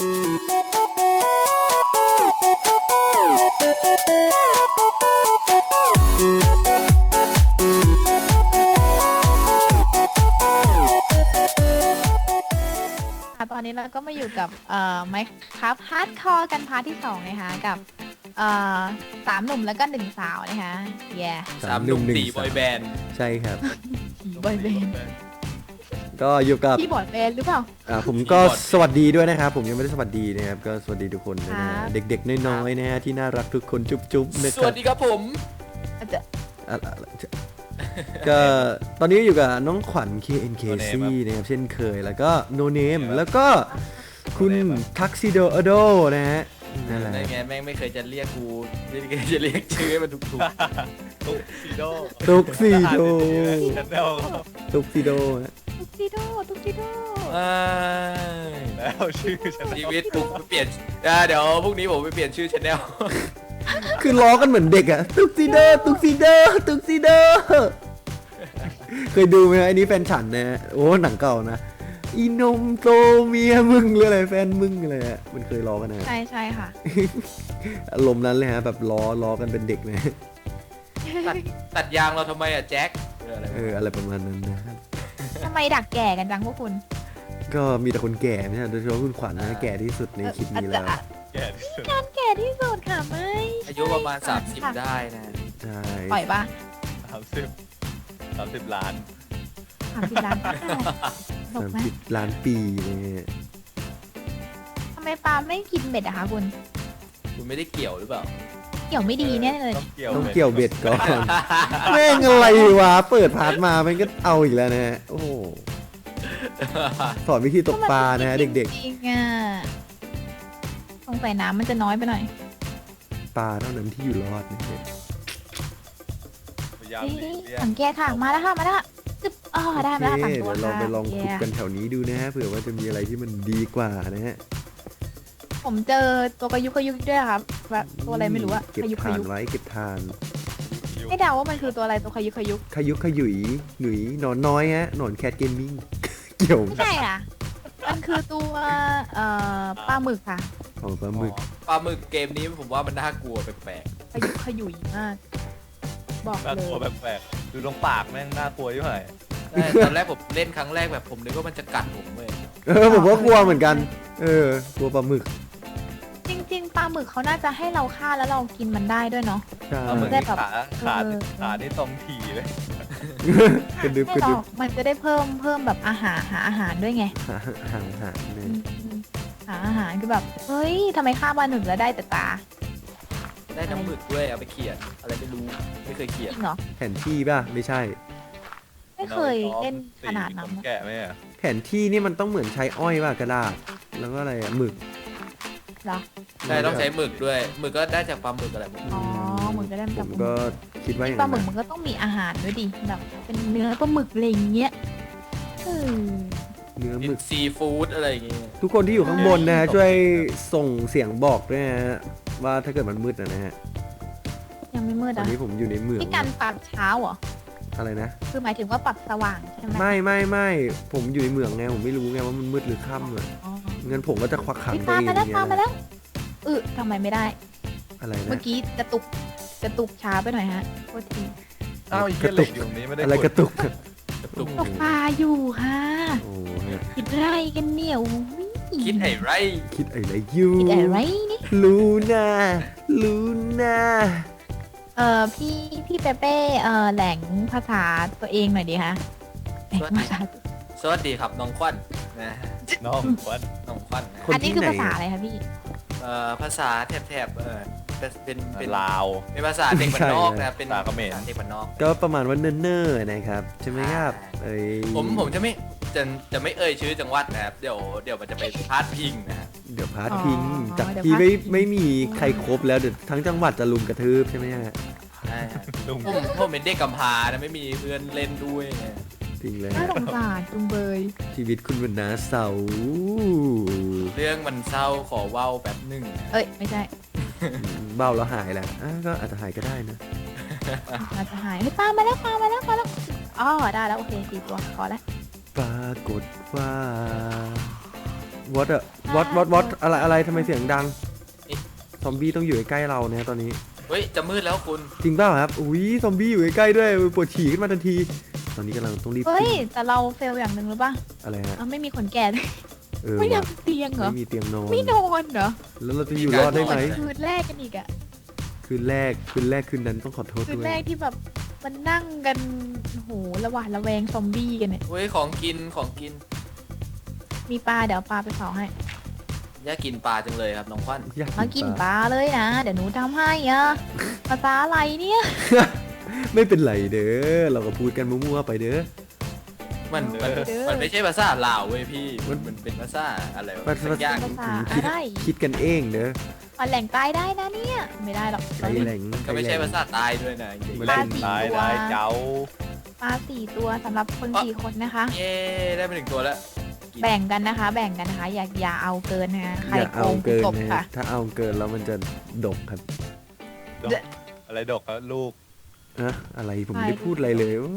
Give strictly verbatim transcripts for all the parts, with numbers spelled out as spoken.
ตอนนี้เราก็มาอยู่กับเอ่อไมค์ครับฮาร์ดคอร์กันพาร์ทที่สองนะคะกับเอ่อสามหนุ่มแล้วก็หนึ่งสาวนะคะแย่สามหนุ่มตีบอยแบนด์ใช่ครับบอยแบนด์ก็อยู่กับพี่บอยแบนด์หรือเปล่าอ่าผมก็สวัสดีด้วยนะครับผมยังไม่ได้สวัสดีนะครับก็สวัสดีทุกคนนะฮะเด็กๆน้อยๆนะฮะที่น่ารักทุกคนจุ๊บๆนะคสรับวัสดีครับผมอาจจะอ่ะอ่ะก็ตอนนี้อยู่กับน้องขวัญ เค เอ็น เค ซี นะครับเช่นเคยแล้วก็ No Name แล้วก็คุณทักซิโดอโดนะฮะนั่นแหละในไงแม่งไม่เคยจะเรียกกูไม่เคยจะเรียกชื่อให้มันถูกตุ๊กซีโดตุกซิโดชแนลตุกซิโดฮะตุ๊กซิโดตุ๊กซิโดๆอ้ายแล้วชื่อชแนลชีวิตผมเปลี่ยนอ่าเดี๋ยวพรุ่งนี้ผมไปเปลี่ยนชื่อชแนลคือล้อกันเหมือนเด็กอะตุกซิโดตุกซิโดตุกซิโดเคยดูไหมอันนี้แฟนฉันนะโอ้หนังเก่านะอีนมโตเมียมึงหรืออะไรแฟนมึงอะไรอะมันเคยล้อกันนะใช่ใช่ค่ะอารมณ์นั้นเลยฮะแบบล้อล้อกันเป็นเด็กนะตัดตัดยางเราทำไมอะแจ็คเอออะไรเอออะไรประมาณนั้นนะทำไมดักแก่กันจังพวกคุณก็มีแต่คนแก่ไม่ใช่โดยเฉพาะคุณขวัญนะแก่ที่สุดในคลิปนี้แล้วอาจจะแก่ที่สุดการแก่ที่สุดค่ะไม่อายุประมาณสามสิบได้นะใช่ปล่อยปะสามสิบสามสิบล้านสามสิบล้านก็ได้ตสาก มไหมสิบล้านปีเนี่ยทำไมปลาไม่กินเบ็ดอะคะคุณคุณไม่ได้เกี่ยวหรือเปล่าเกี่ยวไม่ดีแน่เลยต้องเกี่ยวต้องเกี่ยวเบ็ดก่อน แม่งอะไรวะเปิดพาร์ทมามันก็เอาอีกแล้วนะฮะโอ้โหสอนวิธีตกปลานะฮะเด็กๆจริงๆอ่ะสงสัยน้ำมันจะน้อยไปหน่อยๆปลาเท่านั้นที่อยู่รอดนะฮะพยายามนี่หลีกเลี่ยงสังเกตค่ะมาแล้วค่ะมาแล้วค่ะจึ๊บอ๋อได้มาแล้วโอสามเคตัวเดี๋ยวลองค่ะไปลองขุดเย้กันแถวนี้ดูนะฮะเผื่อว่าจะมีอะไรที่มันดีกว่านะฮะผมเจอตัวกระยุกกระยุกด้วยครับแบบตัวอะไรไม่รู้อะเก็บขยุกขทานยุกไว้เก็บทานไม่เดาว่ามันคือตัวอะไรตัวขยุกขยุกขยุกขยุยหนุยหนอนน้อยฮะหนอนแคทเกมมิ่ง เกี่ยวไม่ใช่อ่ะมันคือตัวเอ่อปลาหมึกค่ะของปลาหมึกปลาหมึกเกมนี้ผมว่ามันน่ากลัวแปลกขยุกขยุยมาก บอกน่าเลกลัวย แปลกๆดูตรงปากแม่งน่ากลัวอยู่ไหนๆใช่ตอนแรกผมเล่นครั้งแรกแบบผมนึกว่ามันจะกัดผมเลยเออผมก็กลัวเหมือนกัน เออกลัวปลาหมึกจริง ๆปลาหมึกเขาน่าจะให้เราฆ่าแล้วเรากินมันได้ด้วยเนาะใช่เอาเหมือนได้ที่แบบขาขาเออขานี่ตรงถี่เลยกระดึบไม่กระหรดึอบ กมันจะได้เพิ่มเพิ่มแบบอาหารหาอาหารด้วยไงหาหาหาเนี่ยอืมหาอาหารคือแบบเฮ้ยทำไมฆ่าปลาหมึกแล้วได้แต่ตาได้น้ำหมึกด้วยเอาไปเขียนอะไรไม่รู้ไม่เคยเขีจยนริงเหรอแผนที่ป่ะไม่ใช่ไม่เคยเล่นขนาดนั้นสีนะแก่ไหมอะแผนที่นี่มันต้องเหมือนใช้อ้อยป่ะกระดาษ แล้วก็อะไรอะหมึกเหรอใช่ต้องใช้หมึกด้วยหมึกก็ได้จากปลาหมึกอะไรพวกนี้อ๋อหมึกจะได้ผกับมก็คิดว่าอย่างปลานั้นหมึกนะมันก็ต้องมีอาหารด้วยดิแบบเป็นเนื้อปลาหมึกอะไรอย่างเงี้ยเออเนื้อหกิมึนกซีฟู้ดอะไรอย่างเงี้ยทุกคนที่อยู่ข้างบนนะฮะช่วยส่งเสียงบอกด้วยนะฮะว่าถ้าเกิดมันมืดนะนะฮะยังไม่มืดตอนอ่ะนี้ผมอยู่ในเหมืองพี่การปรับเช้าเหรออะไรนะคือหมายถึงว่าปรับสว่างใช่ไหมไม่ไม่ไม่ผมอยู่ในเหมืองไงผมไม่รู้ไงว่ามันมืดหรือค่ำอะอ๋องั้นผมก็จะควักขังพี่ตัวตามเองมาอแล้วย่างเงี้ตามยมานะแล้วเออทำไมไม่ได้อะไรเมื่นะอกี้กระตุกกระตุกช้าไปหน่อยฮะโทษทีอ้าวไอ้เหี้ยเหล็กอยู่ตรงนี้ไม่ได้อะไรกระตุกกระตุกตกปลาอยู่ค่ะโอ้ฮะคิดอะไรกันเนี่ยอุ๊ยคิดไอ้ไรคิดอะไรอยูคิดอะไรนี่ลูน่าลูน่าเออพี่พี่เปเป้เออแหล่งภาษาตัวเองหน่อยดีคะแหล่งภาษาสวัสดีครับน้องควันนะน้องควันน้องควันนะอันนี้คือภาษาอะไรคะพี่เอ่อภาษาแถบๆเออเป็นเป็นเป็นลาวเป็นภาษาเด็กบ้านนอกนะครับเป็นภาษาเขมรภาษาเด็กบ้านนอกก็ประมาณว่าเนิ่นๆนะครับใช่ไหมครับเอ้ยผมผมจะไม่จะจะไม่เอ่ยชื่อจังหวัดนะครับเดี๋ยวเดี๋ยวมันจะไปพาดพิงนะครับเดี๋ยวพาร์ทพิงอ๋อจากเดี๋ยวที่พาร์ทไม่พิงไม่มีใครครบแล้วเดี๋ยวทั้งจังหวัดจะลุมกระทืบใช่ไหมฮะใช่ครับลุงผมผมเป็นเด็กกำพร้านะไม่มีเพื่อนเล่นด้วยไงจริงเลยน่าสงสารจุงเบยชีวิตคุณวันนาเสาเรื่องมันเศร้าขอเว้าแบบหนึ่งเอ้ยไม่ใช่เบ้าแล้วหายแหละอ่ะก็อาจจะหายก็ได้นะอาจจะหายเฮ้ยปลามาแล้วปลามาแล้วปลาแล้วอ๋อได้แล้วโอเคสี่ตัวพอแล้วปรากฏว่าวอตอะวอตวอตวอตอะไรอะไรทำไมเสียงดังซอมบี้ต้องอยู่ใกล้ๆเราเนี่ยตอนนี้เฮ้ยจะมืดแล้วคุณจริงเปล่าครับอุ้ยซอมบี้อยู่ใกล้ๆด้วยปวดฉี่ขึ้นมาทันที ตอนนี้กำลังต้องรีบเฮ้ยขึ้นแต่เราเฟลอย่างหนึ่งหรือปะอะไรฮะเราไม่มีขนแก่เลยเออไม่ว่ะทำเตียงเหรอไม่มีเตียงนอนไม่นอนเหรอแล้วเราจะอยู่รอดได้ไหมคืนแรกกันอีกอะคืนแรกคืนแรกคืนนั้นต้องขอโทษคืนด้วยแรกที่แบบมันนั่งกันโอ้โหระหวาดระแวงซอมบี้กันเนี่ยเฮ้ยของกินของกินมีปลาเดี๋ยวเอาปลาไปเผาให้อยากกินปลาจังเลยครับน้องควันอยากมากิกินนปปลาลาเลยนะ เดี๋ยวหนูทำให้อะภาษาอะไรเนี่ยไม่เป็นไรเด้อเราก็พูดกันมั่วๆไปเด้อมันมันเด้อมันไม่ใช่ภาษาลาวเว้ยพี่มันมันเป็นภาษาอะไรวะภาษาสักอย่างภาษาคิดอะไรคิดกันเองเด้ออ่อนแหล่งใต้ได้นะเนี่ย ไม่ได้หรอกใจแหลงก็ไม่ใช่ภาษาใต้ด้วยนะจริงมันปลาเป็นสี่ตายตัวตายเจ้าปลาสี่ตัวสำหรับคนสี่คนนะคะๆเย้ได้ไปหนึ่งตัวแล้วแบ่งกันนะคะ แบ่งกันนะคะ อย่าอย่าเอาเกินนะคะใครอย่าโกเอางเกินตบนะค่ะถ้าเอาเกินแล้วมันจะดกครับดกอะไรดกครับลูกอะอะไรผมไม่ได้พูดอะไรเลยโอ้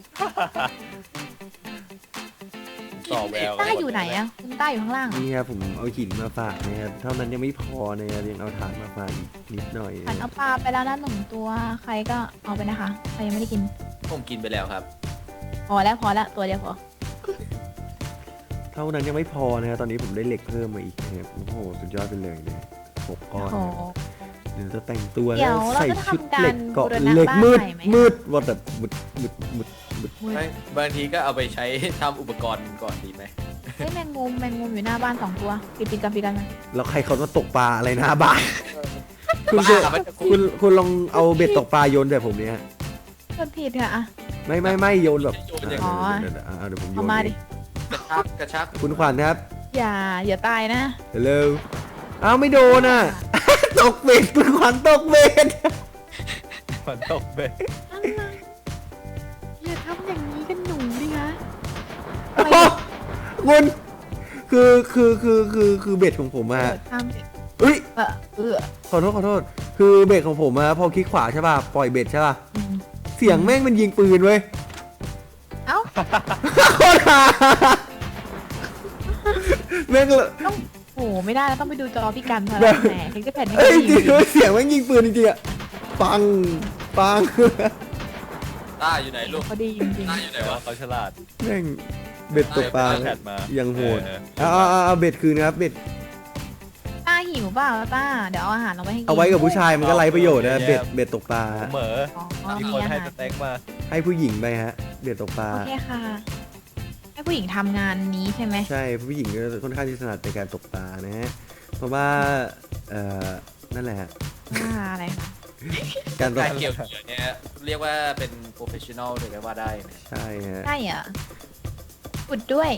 ต่อแววต้าอยู่ไหนอะคุณต้าอยู่ข้างล่างเหรอนี่ครับผมเอาหินมาฝากนะครับเท่านั้นยังไม่พอนะครับยังเอาถ่านมาฝากอีกนิดหน่อยฉันเอาปลาไปแล้วนะหนึ่งตัว ใครก็เอาไปนะคะ ใครยังไม่ได้กินผมกินไปแล้วครับพอแล้วพอแล้วตัวเดียวพอเท่านั้นยังไม่พอนะครับตอนนี้ผมได้เหล็กเพิ่มมาอีกนะครับโอ้โหสุดยอดไปเลยเนี่ยหกก้อนโอ้นะครับเดี๋ยวจะแต่งตัวเดี๋แล้ยว วเราใส่จะชุดทำการเหล็กเกาะบูรณะเหล็กบ้านมืดใหม่ไหมมืดว่าแบบมืดมืดมืดมืดไม่บางทีก็เอาไปใช้ทำอุปกรณ์ก่อนดีไหมเฮ้ยแมงมุมแมงมุมอยู่หน้าบ้านสองตัวปิดปิดกันปิดกันนะแล้วใครเขามาตกปลาอะไรหน้าบ้าน คุณบ้าจะมันจะคุณคุณลองเอาเบ็ดตกปลาโยนแต่ผมเนี่ยโดนผิดค่ะอะไม่ไม่ไม่โยนแบบโยนอย่างอ๋อเดี๋ยวเดี๋ยวเดี๋ยวเดี๋ยวผมโยเอานมาเอดิงกระชักกระชักคุณขวัญครับอย่าอย่าตายนะเร็วอ้าวไม่โดนอ่ะ ตกเบ็ดคุณขวัญตกเบ็ดมันตกเบ็ดอะไรอย่าทำอย่างนี้กันหนูดิคะโอ้โหคุณคือคือคือคือคือเบ็ดของผมอะเออทำสิเอ้ยเออเออขอโทษขอโทษ คือเบ็ดของผมอะพอคลิกขวาใช่ป่ะปล่อยเบ็ดใช่ป่ะอืมเสียงแม่งมันยิงปืนเว้ยเอ้าโคตรฮาแม่งเลยต้องโอ้โหไม่ได้แล้วต้องไปดูจอพี่กันเถแบอะบแหมถึงจะแผ่นนี้เอ้ยจดีริงๆเสียงแม่งยิงปืนจริงๆอะปังปังต้าอยู่ไหนลูกเขาดีจริงต้าอยู่ไหนแต่ว่าวะเขาฉลาดแม่งเบ็ดตกปลาแพทมายังโหดเออเอาเอาเอาเอาเบ็ดคืนนะครับเบ็ดๆต้าหิวเปล่าต้าเดี๋ยวเอาอาหารเราไปให้กินเอาไว้กับผู้ชายมันก็ไร้ประโยชน์นะเบ็ดเบ็ดตกปลาผมเหมออ๋อมีมีคนอาให้หารสเต็กมาให้ผู้หญิงไปฮะ เบ็ดตกปลาโอเคค่ะ ให้ผู้หญิงทำงานนี้ใช่ไหมใช่ผู้หญิงก็ค่อนข้างที่ถนัดในการตกปลานะฮะเพราะว่าเอ่อนั่นแหละฮะว่าอะไรคะการตกการเกี่ยวเหยื่อเนี่ยเรียกว่าเป็นโปรเฟชชั่นอลเลยก็ว่าได้นะใช่ฮะใช่เหรอขุดด้วย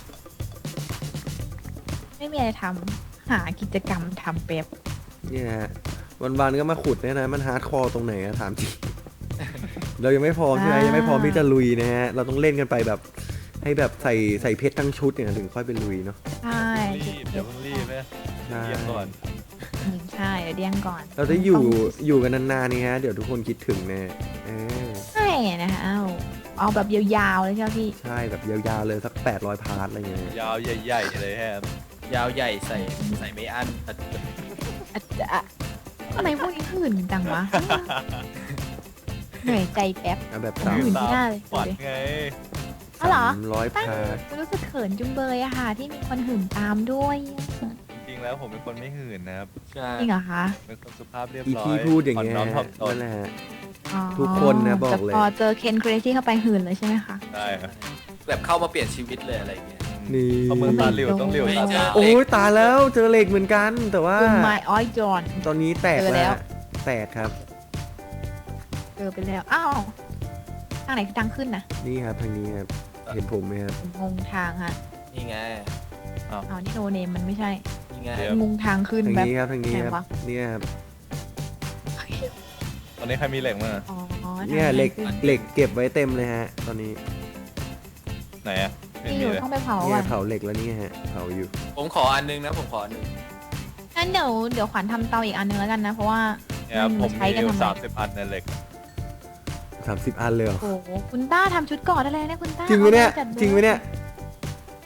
ไม่มีอะไรทำหากิจกรรมทำเป๊บเนี่ยฮะวันๆก็มาขุดเนี่ยนะมันฮาร์ดคอร์ตรงไหนอะถามจริง เรายังไม่พร้อมใช่ไหมยังไม่พร้อมที่จะลุยนะฮะเราต้องเล่นกันไปแบบให้แบบใส่ใส่เพชรทั้งชุดเนี่ยถึงค่อยไปลุยเนาะใช่รีบเดี๋ยวเพิ่งรีบนะใช่เยี่ยมก่อนอืมใช่เดี๋ยวเดี้ยงก่อนเราจะอยู่อยู่กันนานๆนี่ฮะเดี๋ยวทุกคนคิดถึงแน่เออใช่นะคะเอาเอาแบบยาวๆเลยใช่ไหมพี่ใช่แบบยาวๆเลยสักแปดร้อยพาร์ทอะไรเงี้ยยาวใหญ่ๆเลยแฮมยาวใหญ่ใส่ใส่ไม่อั้นอาจจะทำไมพวกนี้หื่นจังวะ เหนื่อยใจแป๊บเอาแบบผมสามหื่นไม่ได้เลยฝันดูดิไงอ๋อเหรอสามร้อยตั้งพาร์ทรู้สึกเขินจุงเบยอะค่ะ ที่มีคนหื่นตามด้วยจริงๆแล้วผมเป็นคนไม่หื่นนะครับใช่จริงเหรอคะเป็นคนสุภาพเรียบอีร้อยที่พูดอย่างเงี้ยอ่อนน้อมถ่อมตนนั่นแหละฮะอ๋อทุกคนนะบอกเลยแต่พอเจอเคนเครซี่เข้าไปหื่นเลยใช่ไหมคะได้ครับแบบเข้ามาเปลี่ยนชีวิตเลยอะไรเงี้ยนี่เพราะเมืองตาหลิวต้องหลิวตาตาโอ้ยตายแล้วเจอเหล็กเหมือนกัน แต่ว่าคุณไมออยจอนตอนนี้แตกเจอแล้แล้ววแตกครับเจอไปแล้ว อ้าวทางไหนคือทางขึ้นนะนี่ครับทางนี้ครับเห็นผมไหมครับผมงงทางฮะนี่ไงอ้าวนี่โนเนมมันไม่ใช่นี่ไงงงทางขึ้นทางแบบนี้ครับทางนี้คไหนรับวะเนี่ยครับตอนนี้ใครมีเหล็กมั้งอ๋อเนี่ยทางเหล็กขึ้นเหล็กเก็บไว้เต็มเลยฮะ ตอนนี้ไหนอะไม่ที่อมียู่เลยต้องไปเผาเนี่อ่ะยเผาเหล็กแล้วนี่ฮะเผาอยู่ผมขออันนึงนะผมขออันนึงงั้นเดี๋ยวเดี๋ยวขวัญทำเตาอีกอันนึงแล้วกันนะ เพราะว่าเนี่ยครับมันผมใช้มีกันทำไมสามสิบอันในเหล็กสามสิบอันเลยเหรอโอ้โหคุณต้าทำชุดเก่อได้เลยนะคุณต้าจริงไหมเนี่ยอาปจัดจริงไหมเนี่ยจ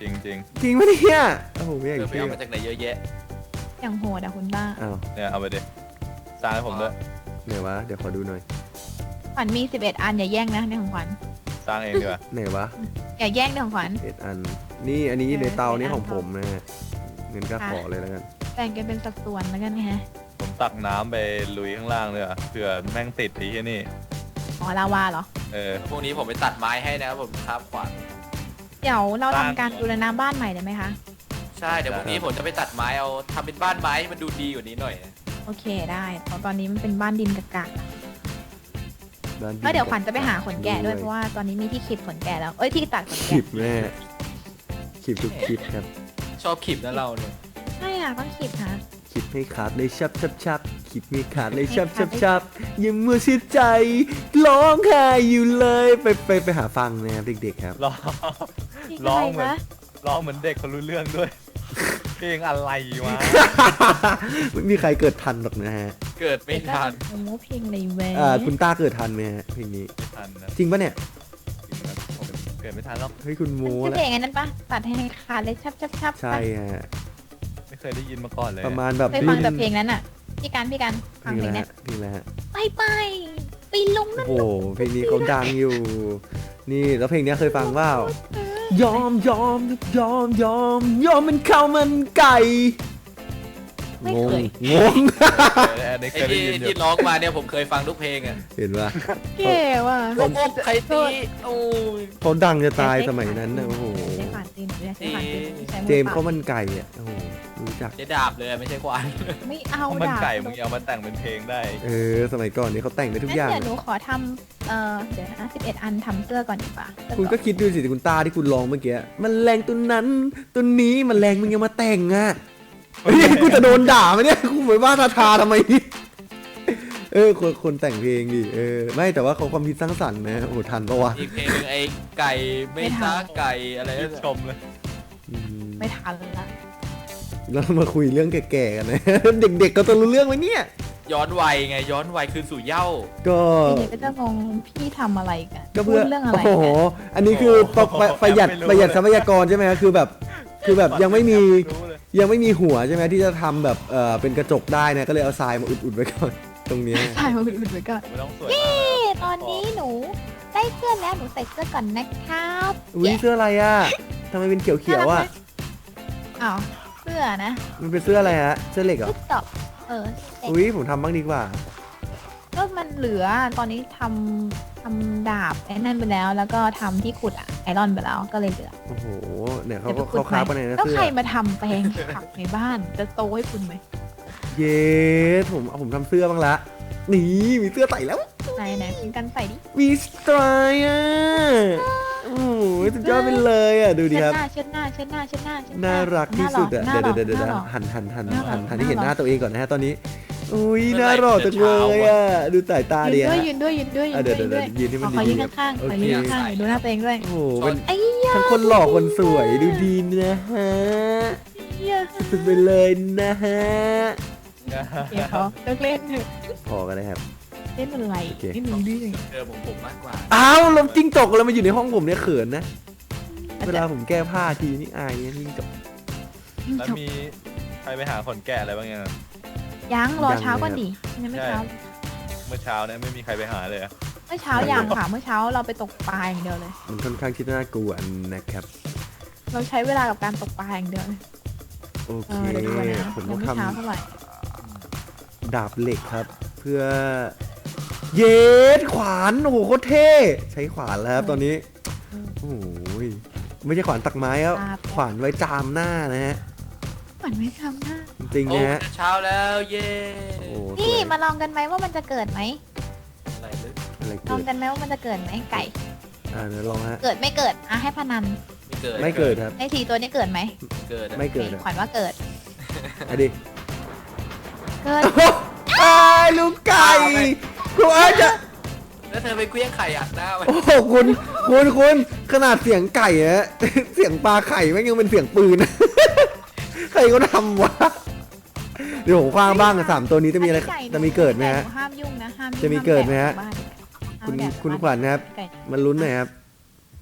จริงจริงจริงปะเนี่ยโอ้โหไม่อยากเธอไปเชื่อเอามาจากไหนเยอะแยะอย่างโหดอะคุณบ้าอ้าวๆเนี่ยเอาไปดิสร้างให้ผมด้วยไหนวะเดี๋ยวขอดูหน่อยขวัญมีสิบเอ็ดอันอย่าแย่งนะในของขวัญสร้างเองดีกว่าไหนวะอย่าแย่งในของขวัญเอ็ดอันนี่อันนี้เออในเตานี่เอ็ดอันของผมนะฮะเงินก็ค่ะขอเลยแล้วกันแบ่งกันเป็นสัดส่วนแล้วกันนะฮะผมตักน้ำไปลุยข้างล่างเลยอ่ะเผื่อแม่งติดไอ้ที่นี่อ๋อลาวาเหรอเออพวกนี้ผมไปตัดไม้ให้นะครับผมครับขวานเดี๋ยวเราบ้านทำการบูรณะบ้านใหม่ได้ไหมคะใช่เดี๋ยวพรุ่งนี้ผมจะไปตัดไม้เอาทำเป็นบ้านไม้ให้มันดูดีกว่านี้หน่อยนะโอเคได้เพราะตอนนี้มันเป็นบ้านดินกากบ้านๆแล้วเดี๋ยวขวัญจะไปหาขนแกะด้วยเพราะว่าตอนนี้มีที่ขีดขนแกะแล้ว เอ้ยที่ตัดขนคลิแกะปแม่คลิปทุกคลิปครับชอบขีบนะเราเนี่ยใช่อ่ะต้องขีดค่ะคลิปให้ขาดเลยชับชับชับคลิปไม่ขาดเลยชับชับชับอยังมัวเสียใจร้องไห้อยู่เลยไปไปไปหาฟังนะครับเด็กๆครับร้องนี่ร้อะองไรเหมือนคะร้องเหมือนเด็กเขารู้เรื่องด้วย เพลงอะไรวะไม่มีใครเกิดทันหรอกนะฮะเกิดไม่ทันโอ้โหเพลงอะไรเว้ยอ่าคุณต้าเกิดทันไหมฮะเพลงนี้ไม่ทันนะจริงปะเนี่ยจริงนะผมเกิดไม่ทันหรอกเฮ้ยคุณโมมันคือแล้วเพลงอันนั้นปะตัดให้ขาดเลยชับชับชับใช่ฮะไม่เคยได้ยินมาก่อนเลยประมาณแบบไปฟังแต่เพลงนั้นอ่ะพี่การพี่การฟังนี่เพลงแหเนี้ละยนี่แหละฮะไปไปไปลงนั่นโอ้โหเพลงนี้เขาดังอยู่ นี่แล้วเพลงนี้เคยฟังเปล่ายอมยอมยอมยอมยอมเป็นข้าวมันไก่ไม่งงเคยงงเอออันนี้ไอ้เคยได้ที่ยินอยู่ที่ร้องมาเนี่ยผมเคยฟังทุกเพลงอ่ะเห็นปะเก๋ว่ะโอ้โหใครตีโอ้ยเขาดังจะตายสมัยนั้นนะโอ้โหใช้ผ่านจีนหรือใช้ผ่านจีนใช้มือเจมส์ปล่ข้าวมันไก่อ่ะโอ้โหรู้จักใช้ดาบเลยไม่ใช่ขวานไม่เอาข้าวมันดาบไก่มึงเอามาแต่งเป็นเพลงได้เออสมัยก่อนนี่เขาแต่งได้ทุกงั้นอย่างเดี๋ยวหนูขอทำเอ่อเดี๋ยวนะสิบเอ็ดอันทำเสื้อก่อนดีกว่าเสื้อคุณก็เาะคิดดูสิคุณตาที่คุณร้องเมื่อกี้มันแรงตัวนั้นตัวนี้มันแรงมึงยังมาแต่งอ่ะเฮ้ยกูจะโดนด่าไหมเนี่ยกูเหมือนว่าทาทาทำไมนี่เออคนคนแต่งเพลงดิเออไม่แต่ว่าเขาความคิดสร้างสรรค์นะโอ้ทันปะวะอีกเพลงหนึงไอ้ไก่ไม่ซ่าไก่อะไรชื่นั่นนชน่ะมเลยอืมไม่ทันละแล้วมาคุยเรื่องแก่ๆกันนะ เด็กๆก็ต้องรู้เรื่องไหมเนี่ยย้อนวัยไงย้อนวัยคืนสู่เหย้าก็ทีนี้ก็จะงงพี่ทำอะไรกันก็เพื่อพูดเรื่องอะไรโอ้โหกันอันนี้คือประประประหยัดประหยัดทรัพยากรใช่ไหมครับคือแบบคือแบบยังไม่มีรู้เลยยังไม่มีหัวใช่ไหมที่จะทำแบบเออเป็นกระจกได้นะก็เลยเอาทรายมาอุดๆไว้ก่อนตรงเนี้ยใช่มาอุดๆไว้ก่อนไม่ต้องสวยเย้มากตอนนี้หนูได้เสื้อแล้วหนูใส่เสื้อก่อนนะครับอุ้ยเสื้ออะไรอ่ะทำไมเป็นเขียวๆอ่ะอ้าวเสื้อนะมันเป็นเสื้ออะไรฮะเสื้อเหล็กเหรอลูกดอกเออเสร็จอุ้ยผมทำบ้างดีกว่าก็มันเหลือตอนนี้ทำทำดาบไอ้นั่นไปแล้ว แล้วก็ทำที่ขุดอะไอรอนไปแล้วก็เลยเหลือโอ้โหเนี่ยเขาดี๋ยวไปเขาขุดคราบใหกันม่ในนะแล้วเสื้ใครอมาทำแปลงผักในบ้านจะโตให้คุณไหมเย้ผมเอาผมทำเสื้อบ้างละนี่มีเสื้อใส่แล้วไหนไหนคุณกันใส่ดิมีสไตล์อ่ะโอ้โหสุดยอดไปเลยอ่ะดูดิเชิดครับหน้าเชิดหน้าเชิดหน้าเชิดหน้าเชิดหน่ารักที่สุดอ่ะหน้าเดี๋ยวหล่อเดี๋ยวเดี๋ยวหน้าหล่อหันหันหันหน้าหล่อหันหันหน้าให้เห็นหล่อหน้าตัวเองก่อนนะฮะตอนนี้อุ้ยน่ารอจังเลยอ่ะดูสายตายืดีนด้วยฮะยืนด้วยยืนด้วยยือ่ะนเดี๋ด้วยวย เดี๋ยวยืนด้วยยืนให้มันขอดียืนๆครับข้างๆขโออเคยืนข้างๆดูหน้าตัวเองด้วยโอ้โหเป็นไอ้ยาทั้งคนหล่อคนสวยดูดีนะฮะยาสุดไปเลยนะฮะเดี๋ยวเขาเลิกเล่นเถอะพอกันเลยครับเล่นอะไรโอเคเล่นหนึ่งดื้อเจอผมผมมากกว่าอ้าวลมจิ้งจกแล้วมาอยู่ในห้องผมเนี่ยเขินนะเวลาผมแก้ผ้าทีนี่อายเนี่ยจิ้งจกแล้วมีใครไปหาขนแกะอะไรบ้างยังยังรอยังเช้าก่อนเลยครับดิยังไม่เช้าเมื่อเช้าเนี่ยไม่มีใครไปหาเลยอะเมื่อเช้ายังค่ะเมื่อเช้าเราไปตกปลาอย่างเดียวเลยมันค่อนข้างคิดน่ากลัวนะครับเราใช้เวลากับการตกปลาอย่างเดียวเลยโอเอเคอเดี๋ยวดูนะผมยัต้อง งไม่ทเช้าเท่าไหร่ำดาบเหล็กครับ เพื่อ เยสขวานโอ้โหโคตรเท่ใช้ขวานแล้วครับตอนนี้โอ้ยไม่ใช่ขวานตักไม้ครับขวานไว้จามหน้านะฮะเหมือนไม่ทำหน้าจริงๆโอ้นะฮะเช้าแล้วเย้โอ้สนี่วยมาลองกันไหมว่ามันจะเกิดไหมอะไรลึกอะไรลเกิองดกันไหมว่ามันจะเกิดไหมไก่อ่าเดี๋ยวลองฮะเกิดไม่เกิดอ่ะให้พนันไม่เกิดไม่เกิดครับไอ้ทีตัวนี้เกิดไหมเกิดอะไม่เกิดโออะคขวัญว่าเกิดอะดิเกิดไอ้ายลูกไก่กูอาจจะแล้วเธอไปเคลี้ยงไข่อัดหน้ามันโอ้โหคุณคุณคุณขนาดเสียงไก่อะ เสียงปลาไข่แม่งยังเป็นเสียงปืน ใครก็ทำวะเดี๋ยวผมคว้างบ้างอะสามตัวนี้จะมีอะไรก่จะมีเกิดไหมฮะห้ามยุ่งนะห้ามยุ่งจะมีเกิดไหมฮะห้าแตะคุณบ้านคุณขวัญนะครับไก่มันลุ้นหน่อยครับว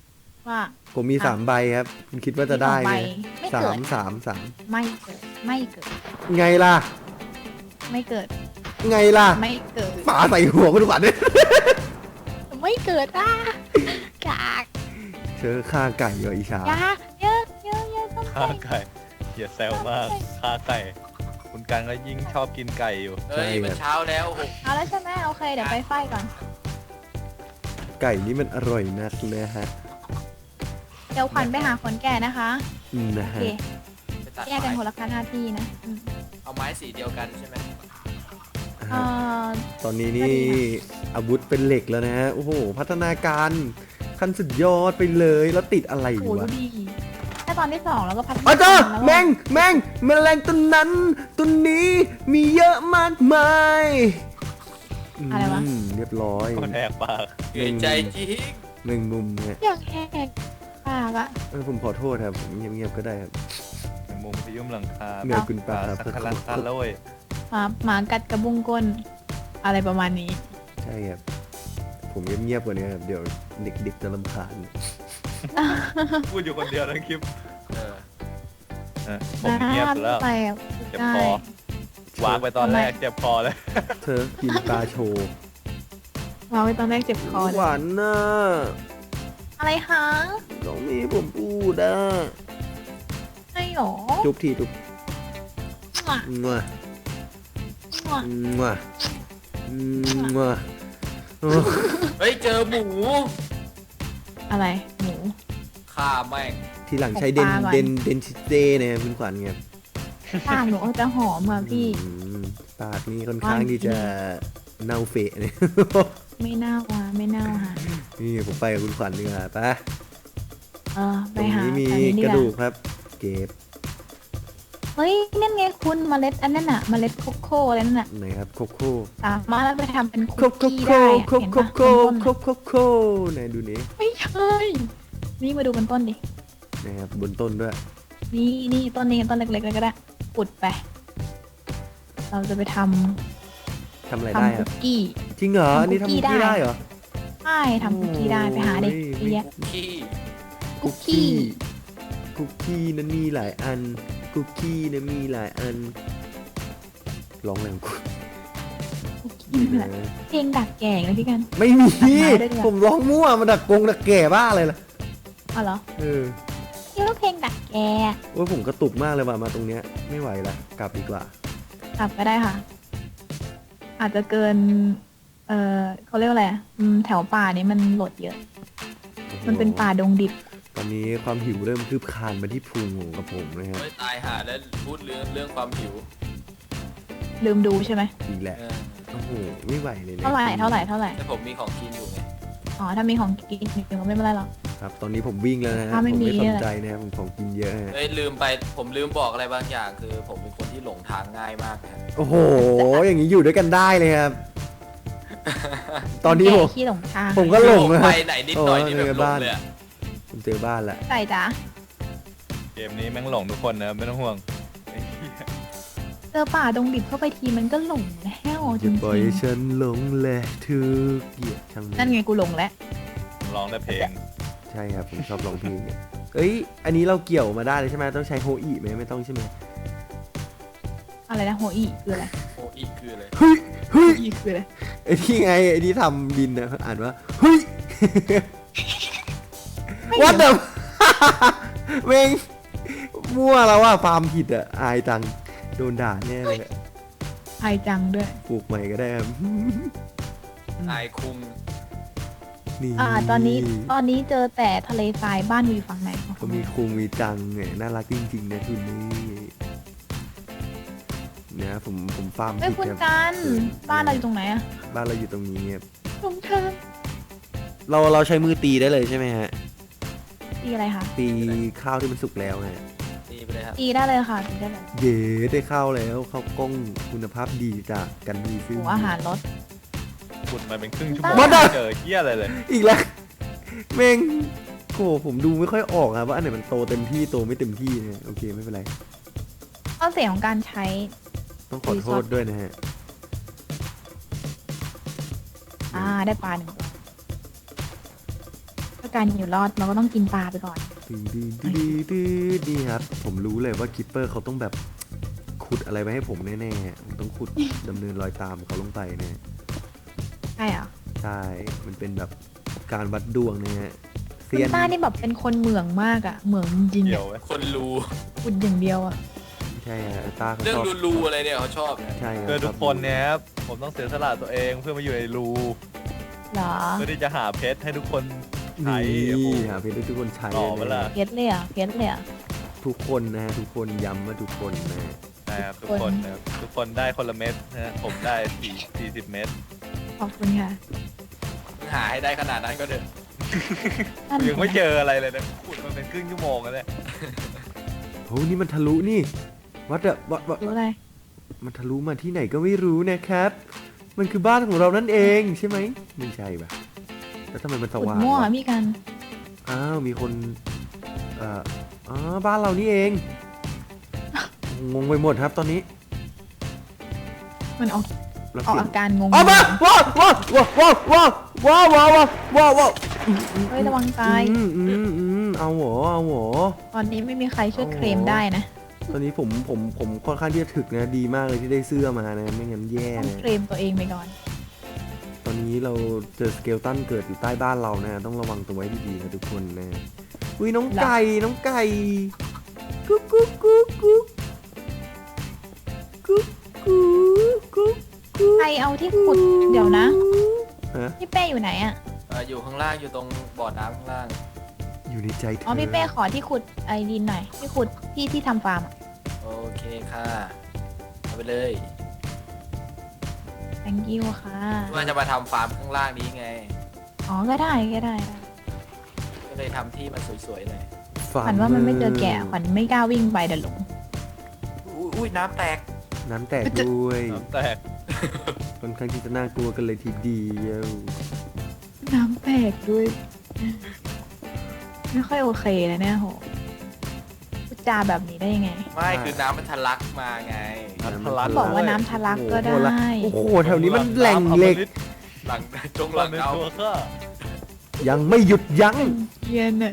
ว่าผมมีอ่ะสามใบครับ คุณคิดว่าจะได้ไหมมีสสาองใบมสามสามไม่เกิดไม่เกิดไงล่ะไม่เกิดไงล่ะไม่เกิดฝาใส่หัวคุณขวัญเนี่ยไม่เกิดอ่ะกากเจอฆ่าไก่เหรออีชายาเยอะเยอะเยอะต้องฆ่าไปไก่อย่าแซวมากฆ่าไก่ คุณกันก็ยิ่งชอบกินไก่อยู่เอ้ยมันเช้าแล้วหกเอาแล้วใช่ไหมโอเคเดี๋ยวไปไฟก่อนไก่นี่มันอร่อยนักนะฮะเดี๋ยวขวัญไปหาคนแก่นะคะอืมนะโอฮะเคไปตัดแยกกันไม้คนละหน้าที่นะอืมเอาไม้สีเดียวกันใช่ไหมเอ่อตอนนี้ก็นี่ดีอาวุธเป็นเหล็กแล้วนะฮะ โอ้โห พัฒนาการขั้นสุดยอดไปเลย แล้วติดอะไรอโหยู่ดูวะดีแค่ตอนที่สองแล้วก็พัฒนาอาจารย์แล้วแมงแมงแมลงตัวนั้นตัวนี้มีเยอะมากมายมเรียบร้อยคนแหกปากเกรงใจจริงแมงมุมเนี่ยอยากแหกปากอะเออผมขอโทษครับผมเงียบๆก็ได้ครับในมุมที่ยุ่มหลังคาเมื่อคุณปาครับสักครั้งคันแล้วเว้ยหมาหมากัดกระบุงก้น อะไรประมาณนี้ใช่ครับ ผมเงียบๆกว่านี้ครับ เดี๋ยวเด็กๆจะรำคาญพูดอยู่คนเดียวทั้งคลิปเออเออผมเงียบอยู่แล้วไปอะเจ็บคอวางไปตอนแรกเจ็บคอเลยเธอกินปลาโชว์วางไว้ตอนแรกเจ็บคอเลยหวานน่ะอะไรคะน้องมีผมพูดอ่ะไม่หรอจุ๊บทีจุ๊บมั่วงัวมั่วงัวงัวโอ้เฮ้ยเจอหมูอะไรหมูฆ่าแม่งทีหลังใช้เดนปลาก่อนเดนเดนชิเต้เนี่ยคุณขวัญไงปากหนูก็จะหอมอ่ะพี่อืมปากนี่ค่อนข้างที่จะเน่าเฟะเนี่ยไม่น่าว่ะไม่น่าว่ะนี่ผมไปกับคุณขวัญดีกว่าไปะเออไปตรงหานี้มีอันนี้กระว่าดูกครับ เก็บเฮ้ยนั่นไงคุณเมล็ดอันนั้นน่ะเมล็ดโคโค่อะไรนั่นน่ะไหนครับโคโค่สามารถเอาไปทำเป็นโคคุกโคกี้โคได้อะโคเห็นโคปะโคบนต้นโคน่ะโคโคไหนดูนี้ไม่ใช่นี่มาดูบนต้นดินะครับบนต้นด้วยนี่นี่ต้นนี้ต้นเล็กๆเลยก็ได้อุดไป เราจะไปทำทำอะไรได้ทำคคุรับกกี้จริงเหรอทำอันนี่คุทำกคุกี้กกี้ได้ได้เหรอใช่ทำคุกกี้ได้ไปหาเด็กโอ้ยเยอะขี้คุกกี้คุกกี้นั้นมีหลายอัน คุกกี้นั้นมีหลายอันร้องแรงกูคุกกี้นี่แหละเพลงดักแก่เลยพี่กันไม่มีตัดไม้ด้วยดีกว่าผมร้องมั่วมาดักกงดักแก่บ้าอะไรล่ะอ๋อเหรอเออนี่ว่าเพลงดักแก่โอ้ยผมกระตุกมากเลยว่ะมาตรงเนี้ยไม่ไหวละกลับดีกว่ากลับก็ได้ค่ะ อาจจะเกิน เออเขาเรียกว่าอะไรอะอืมแถวป่านี้มันโหลดเยอะ มันเป็นป่าดงดิบตอนนี้ความหิวเริ่มคืบคลานมาที่พุงของกับผมนะครับเฮ้ยตายหาแล้วพูดเรื่องเรื่องความหิวลืมดูใช่ไหมอีกแหละเออโอ้โหไม่ไหวเลยนี่ยเท่าไหร่เท่าไหร่เท่าไหร่แต่ผมมีของกินอยู่ไงอ๋อถ้ามีของกินอยู่ก็ไม่เป็นไรหรอกครับ ตอนนี้ผมวิ่งแล้วนะฮะถ้าผไม่มมีไม่สนใจนะครับผมของกินเยอะฮะเฮ้ยลืมไปผมลืมบอกอะไรบางอย่าง คือผมเป็นคนที่หลงทางง่ายมากนะโอ้โห อย่างนี้อยู่ด้วยกันได้เลยครับ ตอนนี้ผมแก่ขี้หลงทางผมก็หลงนะไปไหนนิดหน่อยนี่โอ้แบบในหลบ้าง นเลยอะผมเจอบ้านละใส่จ้ะเกมนี้แม่งหลงทุกคนนะไม่ต้องห่วงไอ้เหี้ยเจอป่าดงดิบเข้าไปทีมันก็หลงแล้วจจะริงปล่อยให้ฉันหลงแหละทุกเหยียดช่างมัๆนั่นไงกูหลงแล้วร้องได้เพลงใช่ครับ ผมชอบร้องเพลงเนี่ยเอ้ย อันนี้เราเกี่ยวมาได้เลยใช่ไหมต้องใช้โฮอีไหมไม่ต้องใช่ไหมอะไรนะโฮอีคืออะไรโอ้อีกคือเลยเฮ้ยเฮ้ยโฮอีคืออะไรไอ้ที่ไงไอ้ที่ทำดินนะอ่านว่าเฮ้ย What the เมงมั่วแล้วว่าฟาร์มผิดอ่ะอายตังโดนด่าแน่เลยอะไอจังด้วยปลูกใหม่ก็ได้ครับอายคุงนี่อ่า ตอนนี้ตอนนี้เจอแต่ทะเลทรายบ้านอยู่ฝั่งไหนของก็มีคุงมีจังไงน่ารักจริงๆนะคุณนี่เนี่ยผมผมฟาร์มเอ้ยผิดคุณครับกันบ้านเราอยู่ตรงไหนอะบ้านเราอยู่ตรงนี้ครับตรงทางเราเราใช้มือตีได้เลยใช่ไหมฮะตีอะไรคะตีข้าวที่มันสุกแล้วฮะตีไปเลยครับตีได้เลยค่ะตีได้เลยเย้ได้ข้าวแล้วข้าวกล้องคุณภาพดีจากกันดีซึ่งโอ้อาหารรสขุดมาเป็นครึ่งชั่วโมงบ้าไม่เจอเหี้ยอะไรเลยอีกแล้วเมงโหผมดูไม่ค่อยออกอะว่าอันไหนมันโตเต็มที่โตไม่เต็มที่นะโอเคไม่เป็นไรข้อเสียของการใช้ต้องขอโทษด้วยนะฮะอ่าได้ปลาหนึ่งตัวก็การอยู่รอดเราก็ต้องกินปลาไปก่อนดื้อดื้อดื้อดื้อดีครับ ผมรู้เลยว่าคิปเปอร์เขาต้องแบบขุดอะไรไว้ให้ผมแน่ๆผมต้องขุด ดำเนินรอยตามเขาลงไปแน่ใช่เหรอใช่ มันเป็นแบบการวัดดวงเนี่ยฮะคุเซียณนต้านี่แบบเป็นคนเหมืองมากอะเหมืองจริงๆเกี่ยอะวไหมคนรูขุดอย่างเดียวอะใช่ฮะตาเขาเรื่องชอบรูๆอะไรเนี่ยเขาชอบนะใช่ครับคือทุกคนเนี่ยครับผมต้องเสียสละตัวเองเพื่อมาอยู่ในรูเหรอเพื่อที่จะหาเพชรให้ทุกคนใช้นี่โอ้โหหาเพชรให้ทุกคนใช้ต่อเวลานะเพชรเลยอะเพชรเลยอะทุกคนนะฮะทุกคนย้ำว่าทุกคนนะฮะนะครับทุทุกกคคน นนะครับทุกคนได้คนละเม็ดนะฮะผมได้สี่สี่สิบเม็ดขอบคุณค่ะหาให้ได้ขนาดนั้นก็เถอะนั่นยังไม่เจออะไรเลยนะขุดมันเป็นครึ่งชั่วโมงแล้วเนี่ยโหนี่มันทะลุนี่วัดอะวัดวัดรู้อะไรมันทะลุมาที่ไหนก็ไม่รู้นะครับ มันคือบ้านของเรานั่นเองใช่ไหมไม่ใช่ปะแล้วทำไมมันสขุดว่างมั่ววะพี่กันอ้าวมีคนเอ่ออ๋อบ้านเรานี่เอง งงไปหมดครับตอนนี้มันออกเราออกเปลี่ยนอาการงงออกมาว้าวว้าวว้าวว้าวว้าวว้าวว้าวว้าวว้าวเฮ้ยระวังตายอืมอืมอืมเอาหัวเอาหัวตอนนี้ไม่มีใครช่วยเคลมได้นะตอนนี้ผมผมผมค่อนข้างที่จะถึกนะดีมากเลยที่ได้เสื้อมานะไม่งั้นแย่ต้องนะเคลมตัวเองไปก่อนตอนนี้เราเจอสเกลตันเกิดอยู่ใต้บ้านเรานะต้องระวังตัวไว้ดีๆนะทุกคนนะอุ้ยน้องไก่น้องไก่กุ๊กกุ๊กกุ๊กกุ๊กกุ๊กกุ๊กกุ๊กกุ๊กใครเอาที่ขุดเดี๋ยวนะฮะพี่เป้อยู่ไหนอะเอ่ออยู่ข้างล่างอยู่ตรงบ่อน้ำข้างล่างอยู่ในใจเธออ๋อพี่เป้ขอที่ขุดไอดินหน่อยที่ขุดที่ที่ทำฟาร์มอะโอเคค่ะเอาไปเลย thank you ค่ะว่าจะมาทำฟาร์มข้างล่างนี้ไงอ๋อก็ได้ก็ได้ได้ก็เลยทำที่มันสวยๆหน่อยฟาขวัญว่ามันไม่เจอแกะขวัญไม่กล้าวิ่งไปเดี๋ยวหลงอุ้ยอุ้ยน้ำแตกน้ำแตกด้วยน้ำแตกค่อนข้างที่จะน่ากลัวกันเลยทีเดียวน้ำแตกด้วย ไม่ค่อยโอเคเลยเนี่ยโหพูดจาแบบนี้ได้ยังไงไม่คือน้ำมันทะลักมาไงน้ำทะลักบอกว่าน้ำทะลักก็ได้โอ้โหแถวนี้มันแหล่งเหล็กหลังจงหหลัลังงในเอาตัวข้ายังไม่หยุดยั้งเกียนเนี่ย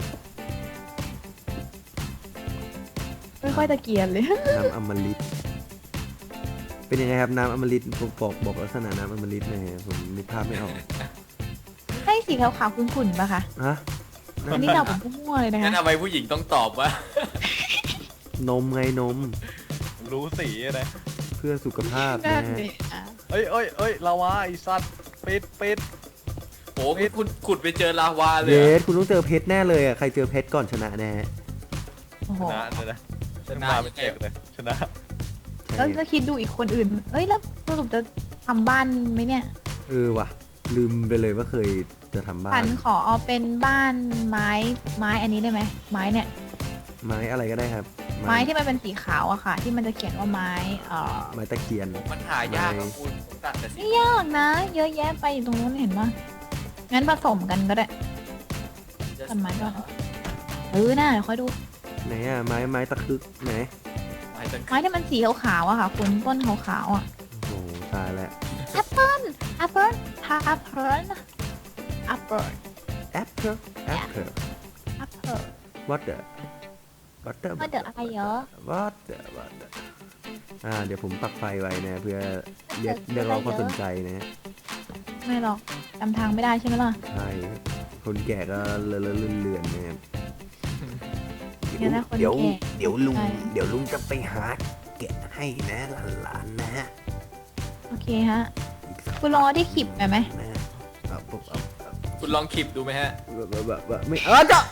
ไม่ค่อยตะเกียนเลยน้ำอมฤตเป็นยังไงครับน้ำอมฤตบอกบอกบอกลักษณะน้ำอมฤตหน่อยฮะผมนึกภาพไม่ออกให้สีขาวๆขุ่นๆป่ะคะฮะอันนี้เราผมมั่วๆเลยนะงั้นคะทำไมผู้หญิงต้องตอบว่านมไงนมรู้สีนะเพื่อสุขภาพนั่นะนฮะนี่อ่ะเอ้ยเอ้ยเอ้ยลาวาไอสัตว์ปิดปิดโอ้คุณคุณขุดไปเจอลาวาเลยเยเหรอสคุณต้องเจอเพชรแน่เลยอ่ะใครเจอเพชรก่อนชนะแน่โอ้โหชนะเลยนะชชนะนะเป็นเอกเลยชนะใช่แล้วจะคิดดูอีกคนอื่น เอ้ยแล้วสรุปจะทำบ้านไหมเนี่ยเออว่ะ ลืมไปเลยว่าเคยจะทำบ้าพันนขอเอาเป็นบ้านไม้ไม้อันนี้ได้ไหมไม้เนี่ยไม้อะไรก็ได้ครับไม้ที่มันเป็นสีขาวอะค่ะ ที่มันจะเขียนว่าไม้เอ่อไม้ตะเคียนมันหายากนะคุณผมตัดแต่สีไม่ยากนะ เยอะแยะไปอยู่ตรงนู้นเห็นปะงั้นผสมกันก็ได้ ต้นไม้ก่อน เออน่าเดี๋ยวค่อยดูไหนอ่ะไม้ไม้ตะคึกไหนไม้ตะไม้ที่มันสีขาวๆอะค่ะคุณต้นขาวๆอะโอ้โหตายแล้วแอปเปิ้ลแอปเปิ้ลทาแอปเปิ้ลแอปเปิ้ลแอปเปิลแอปเปิลแอปเปิ้ล what the what the ว่าเดี๋ยวอะไรเยอะ what the what the อ่าเดี๋ยวผมปักไฟไว้นะเพื่อเรียกเรียกร้องความสนใจนะฮะไม่หรอกจำทางไม่ได้ใช่ไหมล่ะใช่ครับคนแก่ก็เลอะเลอะเลือนๆนะครับเดี๋ยวนะคนเดี๋ยวแก่เดี๋ยวลุงใช่เดี๋ยวลุงจะไปหาแกะให้นะหลานๆนะฮะโอเคฮะอีกสักคุณลองเอาที่ขีบไปไหมนะฮะเอาปุ๊บเอาเอาคุณลองคลิปดูไหมฮะแบบแบบแบบแบบไม่เออจ้ะ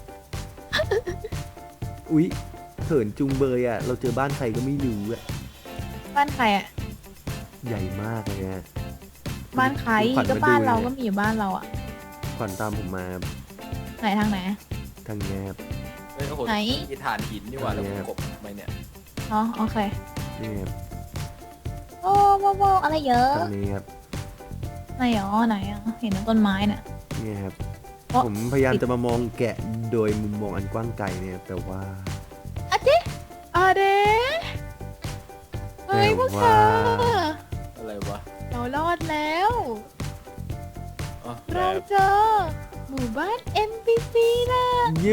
อุ๊ยเขินจุงเบยอ่ะ เราเจอบ้านใครก็ไม่รู้อ่ะบ้านใครอะใหญ่มากเลยฮะบ้านใครขวัญก็มบ้านดูเราลยก็มีอยู่บ้านเราอะขวัญตามผมมาครับไหนทางไหนทางเนี้ยครับเฮ้ยโอ้โหไหนมีฐานหินนี่หว่าแล้วผมกบทำไมเนี่ยอ๋อโอเคนี่ครับโอ้โว้โว้อะไรเยอะทางนี้ครับไหนอ๋อไหนอะเห็นต้นไม้น่ะนี่ครับเพราะผมพยายามจะมามองแกะโดยมุมมองอันกว้างไกลเนี่ยแต่ว่าอะเจ๊อะเด้เฮ้ยพวกเธออะไรวะเรารอดแล้วอ๋อเราเจอหมู่บ้าน เอ็น พี ซี นะยู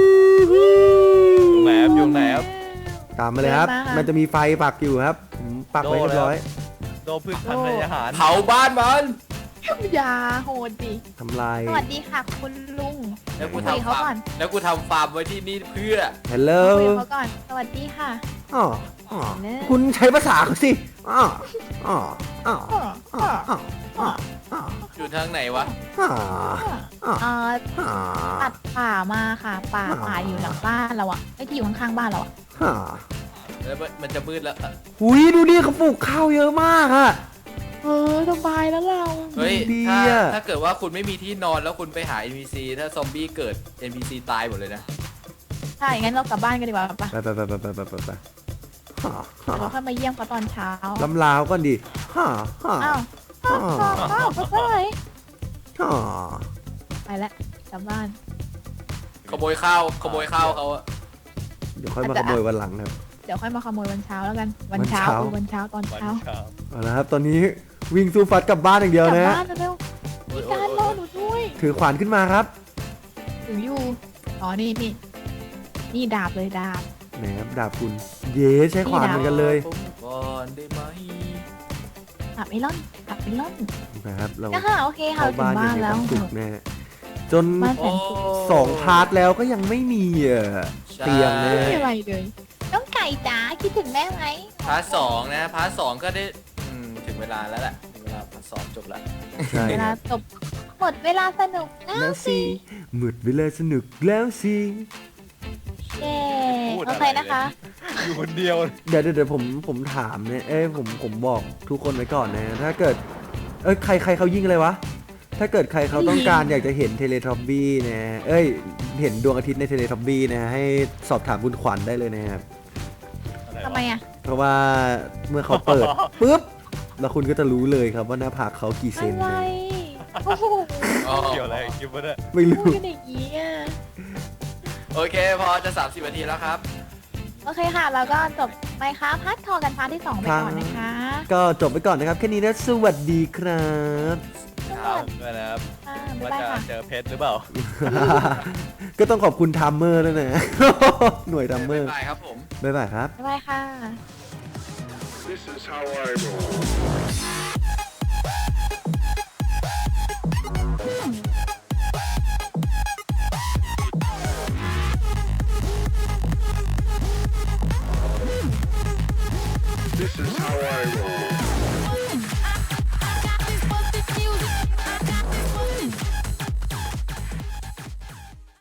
แหมบอยู่ไหนครับตามมาเลยครับเดินมาค่ะมันจะมีไฟปักอยู่ครับผมปักไว้เรียบร้อยโดนพืชพันธุ์ในอาหารเผาบ้านมันอย่าโหดดิทำลายสวัสดีค่ะคุณลุงแล้วกูคุยทำเขาฟาก่อร์นมแล้วกูทำฟาร์มไว้ที่นี่เพื่อฮัลโหลคุยกับเขาก่อน สวัสดีค่ะอ๋ออ๋อเนอะคุณใช้ภาษาเขาสิอ๋ออ๋ออ๋ออ้ออ๋ออ้ออ๋ออ้ออ๋ออยู่ทางไหนวะอ๋ออ้อเอ่ออ๋อตัดป่ามาค่ะ ป่าอ่าป่าอยู่หลังบ้านเราอะไอ้ที่อยู่ข้างๆบ้านเราอะอ๋อแล้วมันจะมืดแล้วหุยดูดิเขาปลูกข้าวเยอะมากอะเออสบายแล้วเราเฮ้ยดีถ้าอะถ้าเกิดว่าคุณไม่มีที่นอนแล้วคุณไปหา เอ็น พี ซี ถ้าซอมบี้เกิด เอ็น พี ซี ตายหมดเลยนะใช่ งั้นเรากลับบ้านกันดีกว่าปะไปไปไปไปไปไปไปไปฮ่าฮ่าเดี๋ยวเราค่อยมาเยี่ยมเขาตอนเช้าลำลาวก่อนดิฮ่าฮ่าอ้าวอ้าวอ้าวอ้าวไปไปฮ่าไปแล้วกลับบ้านขโมยข้าว ขโมยข้าวเขาอะเดี๋ยวค่อยมาขโมยวันหลังครับเดี๋ยวค่อยมาขโมยวันเช้าแล้วกัน วันวันเช้าเช้าเออวันเช้าตอนวันเช้าเช้าเอาละครับ ตอนนี้วิ่งสู้ฟัดกลับบ้านอย่างเดียวกลับนะบ้านเร็วๆมีการรอหนูด้วยถือขวานขึ้นมาครับถึงอยู่ อ๋อ นี่นี่ นี่ดาบเลยดาบไหนครับดาบคุณ เย้ใช้ขวานเหมือนกันเลยผมก่อนได้ไหมดาบไอรอนดาบไอรอนนะครับ เรานะคะโอเคค่ะเข้าถึงบ้านอบ้าย่าน งมีควาว มแล้สุขแน่จนบ้านแสโอ้นสุขสองพาร์ทแล้วก็ยังไม่มีเอ่อใช่เตียงนะไม่มีอะไรเลย น้องไก่จ๋าคิดถึงแม่ไหมพาร์ทสองนะ พาร์ทสองก็ได้อืมถึงเวลาแล้วแหละถึงเวลาพาร์ทสองจบแล้วใช่เวลาจบหมดเวลาสนุกแล้วแล้วสิหมดเวลาสนุกแล้วสิเย้พูดโออะไรเคนะคะอยู่คนเดียวเดี๋ยวเดี๋ยวเดี๋ยวผมผมถามเนี่ยเอ้ยผมผมบอกทุกคนไว้ก่อนนะ ถ้าเกิด เอ้ยใครใครเขายิงอะไรวะ ถ้าเกิดใครเขาต้องการอยากจะเห็นเทเลทอมบี้นะ เอ้ย เห็นดวงอาทิตย์ในเทเลทอมบี้นะ ให้สอบถามคุณขวัญได้เลยนะครับทำไมอ่ะเพราะว่าเมื่อเขาเปิด ปุ๊บ แล้วคุณก็จะรู้เลยครับว่าหน้าผากเขากี่เซอะนไรนะโอ้โหอ๋อเกี่ยวอะไรกับคลิปวะเนี่ยไม่พูรู้ดกันอย่างนี้อ่ะโอเค พอจะ สามสิบนาทีแล้วครับโอเคค่ะ แล้วก็จบไปค่ะพัดทอกันพาร์ทที่สองไปก่อนนะคะก็จบไปก่อนนะครับ แค่นี้นะ สวัสดีครับครับด้วยนะครับอ่าบ๊ายว่าบายจะค่ะเจอเพชรหรือเปล่าก็ต้องขอบคุณทัมเมอร์ด้วยนะ หน่วยทัมเมอร์บ๊ายบายครับผมบ๊ายบายครับบ๊ายบายค่ะ This is how I roll.